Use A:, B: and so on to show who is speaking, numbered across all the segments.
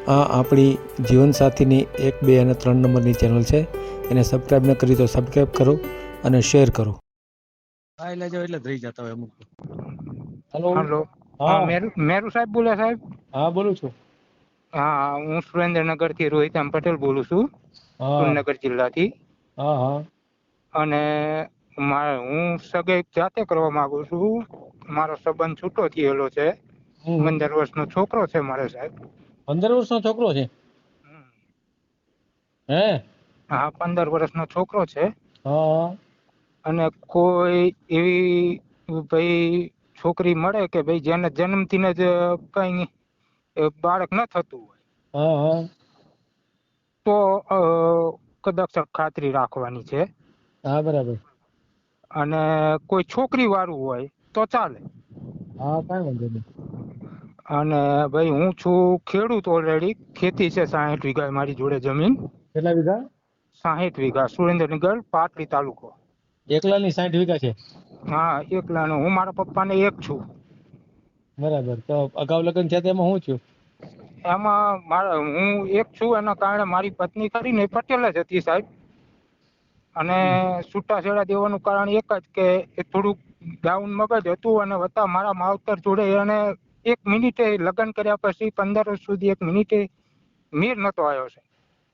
A: આ આપણી જીવનસાથીની 1, 2 અને 3 નંબરની ચેનલ છે. એને સબસ્ક્રાઈબ ન કરી તો સબસ્ક્રાઈબ કરો અને શેર કરો. હા એટલે જો એટલે જ રહી જતા હોય અમુક. હેલો.
B: હલો. હા,
A: હા
B: મેરુ સાહેબ બોલે સાહેબ?
A: હા બોલું છું.
B: હા, હું સુરેન્દ્રનગર થી રોહિતામ પટેલ બોલું છું,
A: હા
B: સુરેન્દ્રનગર જિલ્લાથી.
A: હા હા
B: અને હું સગાઈ જાતે કરવા માંગુ છું. મારો સંબંધ છૂટો થયેલો છે. 15 વર્ષનો છોકરો છે મારે સાહેબ.
A: 15 વર્ષનો છોકરો છે? હે?
B: હા, 15 વર્ષનો છોકરો છે.
A: હા
B: અને કોઈ એવી ભાઈ છોકરી મળે કે ભાઈ જેને જન્મથી જ કઈ બાળક ન થતું હોય
A: હા હા
B: તો કદાચ ખાતરી રાખવાની છે.
A: હા બરાબર.
B: અને કોઈ છોકરી વાળું હોય તો ચાલે.
A: હા કાંઈ વાંધો નહીં.
B: અને ભાઈ હું છું ખેડૂત, ઓલરેડી ખેતી છે 60 વીઘા મારી જોડે જમીન.
A: કેટલા વીઘા?
B: 60 વીઘા, સુરેન્દ્રનગર પાટડી તાલુકો.
A: એકલાની 60 વીઘા છે?
B: હા, એકલાનો. હું મારા પપ્પાને એક છું.
A: બરાબર. તો અગાઉ લગ્ન થયા તેમાં શું થયું?
B: એમાં હું એક છું, એના કારણે મારી પત્ની કરીને પટેલ જ હતી સાહેબ. અને છૂટાછેડા દેવાનું કારણ એક જ કે એ થોડુંક ડાઉન મગજ હતું અને વત્તા મારા માવતર જોડે એને 1 મિનિટે લગ્ન કર્યા પછી 15 વર્ષ સુધી 1 મિનિટે મેળ નતો આવ્યો છે.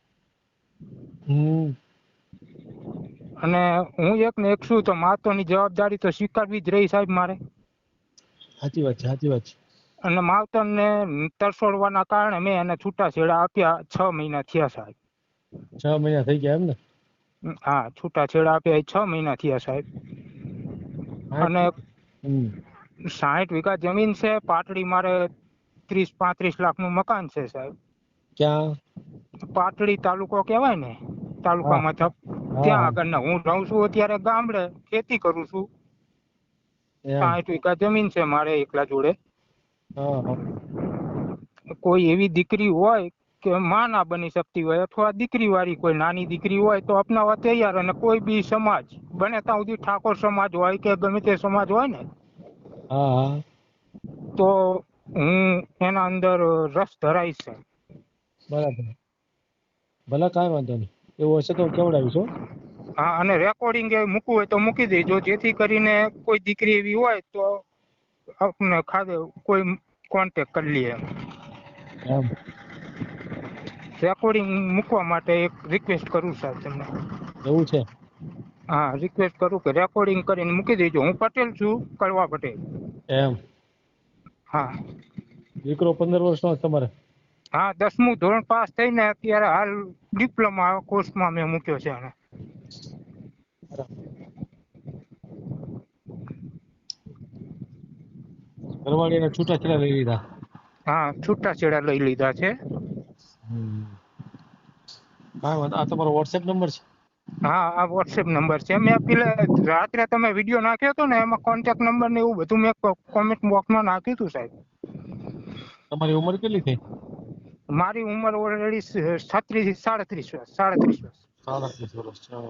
A: હમ
B: અને હું એક ને એક છું તો માવતરની જવાબદારી તો સ્વીકારવી જ રહી સાહેબ મારે.
A: સાચી વાત છે, સાચી વાત છે.
B: અને માવતરને તરસોડવાના કારણે મેં એને છૂટાછેડા આપ્યા. 6 મહિના થયા સાહેબ.
A: 6 મહિના થઈ ગયા એમ ને?
B: હા, છૂટાછેડા આપ્યા 6 મહિના થયા સાહેબ. અને
A: હમ
B: 60 વીઘા જમીન છે. પાટડી મારે 30-35 લાખનું મકાન છે સાહેબ.
A: ક્યાં?
B: પાટડી તાલુકો કહેવાય ને,
A: હા
B: તાલુકા મથક.
A: હા
B: ત્યાં
A: હા
B: આગળ હું રહું છું અત્યારે ગામડે, ખેતી કરું છું.
A: એમ
B: 60 વીઘા જમીન છે મારે એકલા જોડે.
A: હા હા
B: કોઈ એવી દીકરી હોય કે માં ના બની શકતી હોય અથવા દીકરી વાળી કોઈ નાની દીકરી હોય તો અપનાવવા તૈયાર. અને કોઈ બી સમાજ બને ત્યાં સુધી ઠાકોર સમાજ હોય કે ગમે તે સમાજ હોય ને
A: હા હા
B: તો હું એના અંદર રસ ધરાઈશ છે.
A: બરાબર. ભલે કાંઈ વાંધો નહીં. એવું હશે તો હું કેવડાવીશ હો.
B: હા, અને રેકોર્ડિંગ એ મૂકવું હોય તો મૂકી દેજો, જેથી કરીને કોઈ દીકરી એવી હોય તો આપને કોઈ કોન્ટેક કરી લઈએ.
A: એમ.
B: રેકોર્ડિંગ મૂકવા માટે એક રિક્વેસ્ટ કરું સાહેબ તમને.
A: એવું છે?
B: હા, રિક્વેસ્ટ કરું કે રેકોર્ડિંગ કરીને મૂકી દેજો. હું પટેલ છું, કડવા પટેલ.
A: એમ.
B: હા.
A: દીકરો 15 વર્ષનો છે તમારે?
B: હા, 10મું ધોરણ પાસ થઈને અત્યારે હાલ ડિપ્લોમા કોર્સમાં મેં મૂક્યો છે એને.
A: બરાબર. ઘરવાળીને છૂટાછેડા લઈ લીધા?
B: હા, છૂટાછેડા લઈ લીધા છે.
A: કાંઈ વાંધો. આ તમારો WhatsApp નંબર છે?
B: હા, આ WhatsApp નંબર છે. મેં પેલા રાત્રે તમે વિડીયો નાખ્યો હતો ને, એમાં કોન્ટેક્ટ નંબર ને એવું બધું મેં કોમેન્ટ બોક્સમાં નાખ્યું હતું સાહેબ.
A: તમારી ઉંમર કેટલી થઈ?
B: મારી ઉંમર ઓલરેડી 36 37 વર્ષ 37 વર્ષ.
A: 37 વર્ષ છે.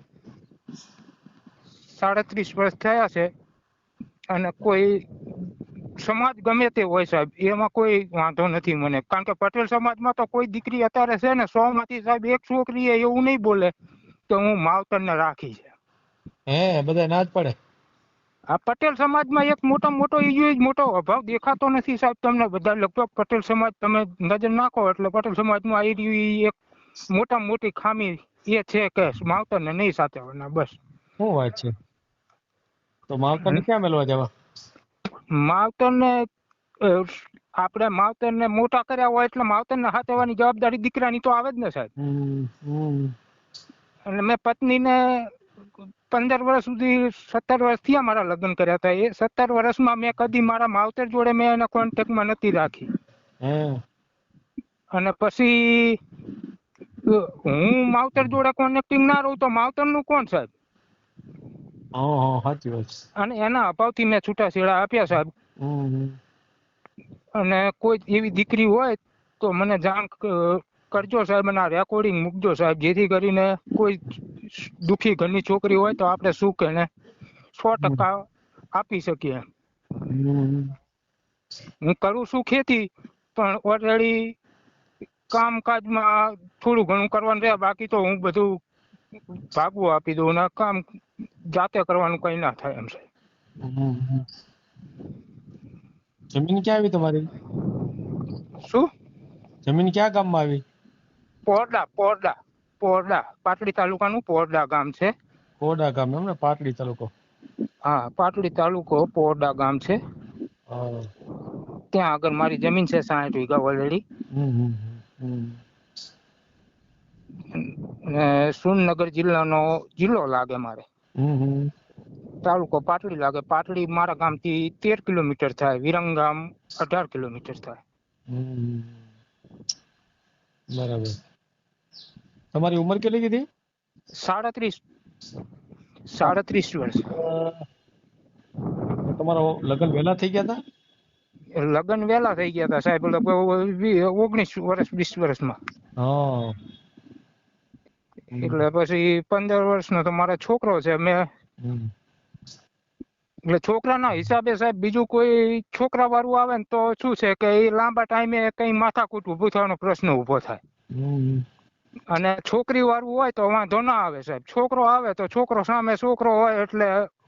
B: 37 વર્ષ થયા છે. અને કોઈ સમાજ ગમે તે હોય સાહેબ, એમાં કોઈ વાંધો નથી મને. કારણ કે પટેલ સમાજમાં તો કોઈ દીકરી અત્યારે છે ને 100 માંથી સાહેબ એક છોકરી એવું નહીં બોલે કે હું માવતરને રાખી છે.
A: બધા ના જ પડે.
B: આ પટેલ સમાજમાં એક મોટો મોટો અભાવ દેખાતો નથી સાહેબ તમને. બધા લગભગ પટેલ સમાજ તમે નજર નાખો એટલે પટેલ સમાજમાં આવી રહ્યું એક મોટામાં મોટી ખામી એ છે કે માવતરને નહીં સાચવવાના બસ.
A: શું વાત છે? તો માવતરને ક્યાં મેલવા જવા?
B: માવતરને આપણે માવતરને મોટા કર્યા હોય એટલે માવતરને સાચવવાની જવાબદારી દીકરાની તો આવે જ ને સાહેબ. અને મેં પત્નીને 15 વર્ષ સુધી 17 વર્ષ થયા મારા લગ્ન કર્યા હતા. એ 17 વર્ષમાં મેં કદી મારા માવતર જોડે મેં એના કોન્ટેક્ટમાં નથી રાખી. અને પછી હું માવતર જોડે કોનેક્ટિંગ ના રહું તો માવતરનું કોણ સાહેબ?
A: હા, સાચી વાત છે.
B: અને એના અભાવથી મેં છૂટાછેડા આપ્યા સાહેબ. અને કોઈ એવી દીકરી હોય તો મને જાણ કરજો સાહેબ. અને આ રેકોર્ડિંગ મૂકજો સાહેબ, જેથી કરીને કોઈ દુખી ઘરની છોકરી હોય તો આપણે સુખ એને 100% આપી શકીએ. હું કરું છું ખેતી, પણ ઓલરેડી કામકાજમાં થોડું ઘણું કરવાનું રહે, બાકી તો હું બધું ભાગવું આપી દઉં ને કામ જાતે કરવાનું કઈ ના થાય એમ છે.
A: જમીન ક્યાં આવી તમારી?
B: શું?
A: જમીન ક્યાં ગામમાં આવી?
B: પોરડા પાટડી તાલુકાનું પોરડા ગામ છે.
A: કોડા ગામ એમ ને? પાટડી તાલુકો.
B: હા, પાટડી તાલુકો પોરડા ગામ છે.
A: હા.
B: ત્યાં આગળ મારી જમીન છે 60 વીઘા ઓલરેડી. ને સુરનગર જિલ્લો લાગે મારે. તાલુકો પાટડી લાગે. પાટડી મારા ગામથી 13 કિલોમીટર થાય. વિરંગામ 18 કિલોમીટર થાય.
A: બરાબર. તમારી ઉંમર કેટલી કીધી?
B: 37 વર્ષ.
A: તમારા લગ્ન વહેલા થઈ ગયા હતા?
B: લગ્ન વહેલા થઈ ગયા હતા સાહેબ, 19 વર્ષ 20 વર્ષમાં.
A: હા.
B: એટલે પછી 15 વર્ષનો તો મારો છોકરો છે. એટલે છોકરાના હિસાબે સાહેબ બીજું કોઈ છોકરા વાળું આવે ને તો શું છે કે એ લાંબા ટાઈમે કઈ માથાકૂટ ઉભું થવાનો પ્રશ્ન ઉભો થાય. અને છોકરી વાળું હોય તો વાંધો ના આવે સાહેબ. છોકરો આવે તો છોકરો સામે છોકરો હોય એટલે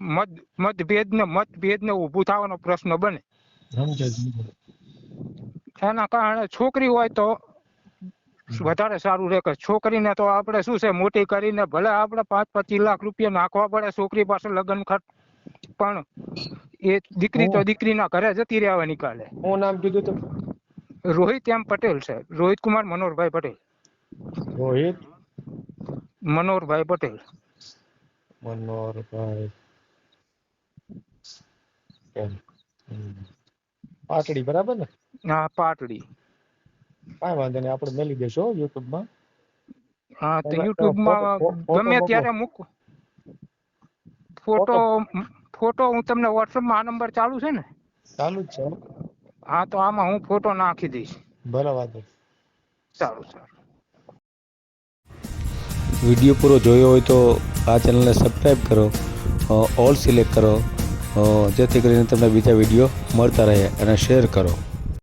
B: મતભેદ ને ઉભું થવાનો પ્રશ્ન બને. એના કારણે છોકરી હોય તો વધારે સારું રહે. કે છોકરીને તો આપણે શું છે મોટી કરીને ભલે આપણે 5-25 લાખ રૂપિયા નાખવા પડે છોકરી પાસે લગ્ન ખર્ચ, પણ એ દીકરી તો દીકરીના ઘરે જતી રહેવાની કાલે.
A: શું નામ કીધું તમે?
B: રોહિત એમ પટેલ સાહેબ. રોહિત કુમાર મનોહરભાઈ પટેલ.
A: રોહિત
B: મનોહરભાઈ પટેલ.
A: મનોહરભાઈ પાટડી બરાબર ને?
B: હા, પાટડી.
A: કાંઈ વાંધો નહીં, આપણે મેલી દેશું YouTube માં.
B: હા, તો YouTube માં ગમે ત્યારે મૂકો ફોટો. હું તમને WhatsApp માં આ નંબર ચાલુ છે ને?
A: ચાલુ જ છે.
B: હા, તો આમાં હું ફોટો નાખી દઈશ.
A: બરાબર.
B: સારું.
A: વિડીયો પૂરો જોયો હોય તો આ ચેનલને સબસ્ક્રાઈબ કરો, ઓલ સિલેક્ટ કરો, જેથી કરીને તમને બીજા વિડીયો મળતા રહે, અને શેર કરો.